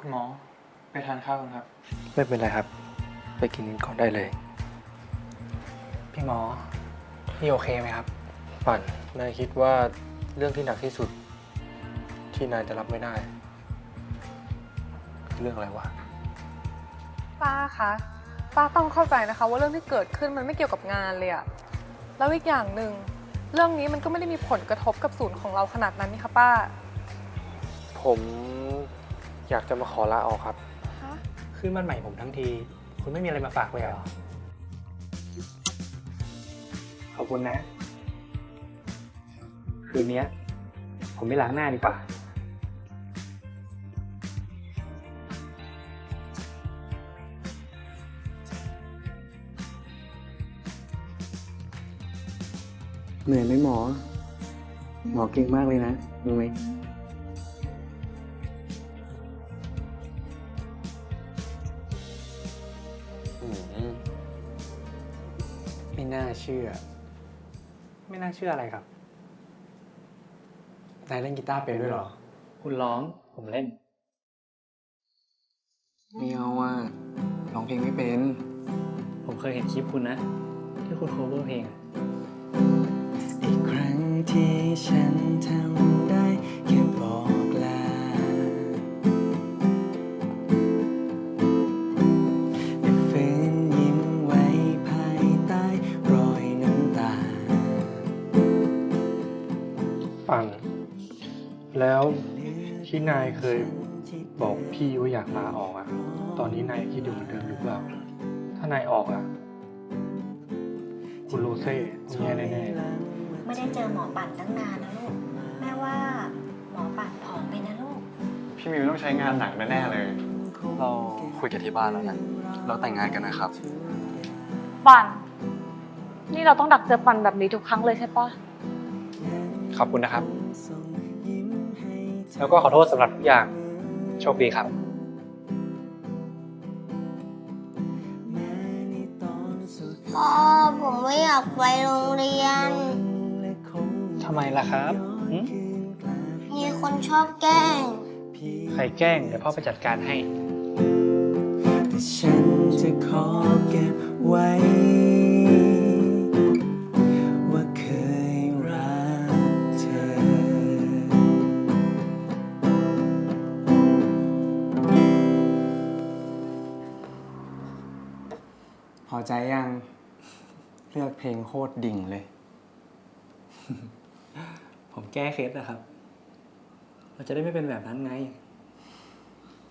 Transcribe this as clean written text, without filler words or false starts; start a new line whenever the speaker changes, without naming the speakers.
คุณหมอไปทานข้าวกันครับ
ไม่เป็นไรครับ ไปกินก่อนได้เลย
พี่หมอพี่โอเคไหมครับ
ปั่นนายคิดว่าเรื่องที่หนักที่สุด ที่นายจะรับไม่ได้คือเรื่องอะไรวะ
ป้าคะป้าต้องเข้าใจนะคะว่าเรื่องที่เกิดขึ้นมันไม่เกี่ยวกับงานเลยอะแล้วอีกอย่างหนึ่งเรื่องนี้มันก็ไม่ได้มีผลกระทบกับศูนย์ของเราขนาดนั้นนี่คะป้า
ผมอยากจะมาขอลาออกครับ
ฮะ
ขึ้นบ้านใหม่ผมทั้งทีคุณไม่มีอะไรมาฝากเลยเหรอขอบคุณนะคืนนี้ผมไม่ล้างหน้าดีกว่าเหนื่อยไหมหมอหมอเก่งมากเลยนะรู้ไหมไม่น่าเชื่ออะไรครับนายเล่นกีตาร์เป็นด้วยเหรอคุณร้องผมเล่น
ไม่เอาว่าร้องเพลงไม่เป็น
ผมเคยเห็นคลิปคุณนะที่คุณโคเวอร์เพลง
อีกครั้งที่ฉันทำได้แค่บอกลาและฝืนยิ้มไว้ภายใต้รอยน้ำตา
ปั่นแล้วที่นายเคยบอกพี่ว่าอยากลาออกอะตอนนี้นายคิดอยู่เหมือนเดิมหรือเปล่าถ้านายออกอะคุณโรเซ่แย่แน่ๆ
ไม่ได้เจอหมอปั่นตั้งนานนะลูก แม่ว่าหมอปั่นผอมไปนะลูก
พี่มิวต้องใช้งานหนักแน่ๆเลย
เราคุยกันที่บ้านแล้วนะ เราแต่งงานกันนะครับ
ปันนี่เราต้องดักเจอปันแบบนี้ทุกครั้งเลยใช่ปะ
ขอบคุณนะครับ แล้วก็ขอโทษสำหรับทุกอย่างโชคดีครับ
พ่อผมไม่อยากไปโรงเรียน
ทำไมล่ะครับหึ
มีคนชอบแกล้ง
ใครแกล้งเดี๋ยวพ่อไปจัดการให้
แต่ฉันจะขอเก็บไว้ ว่าเคยรักเธอ
พอใจยังเลือกเพลงโคตรดิ่งเลย ผมแก้เคล็ดนะครับ เราจะได้ไม่เป็นแบบนั้นไง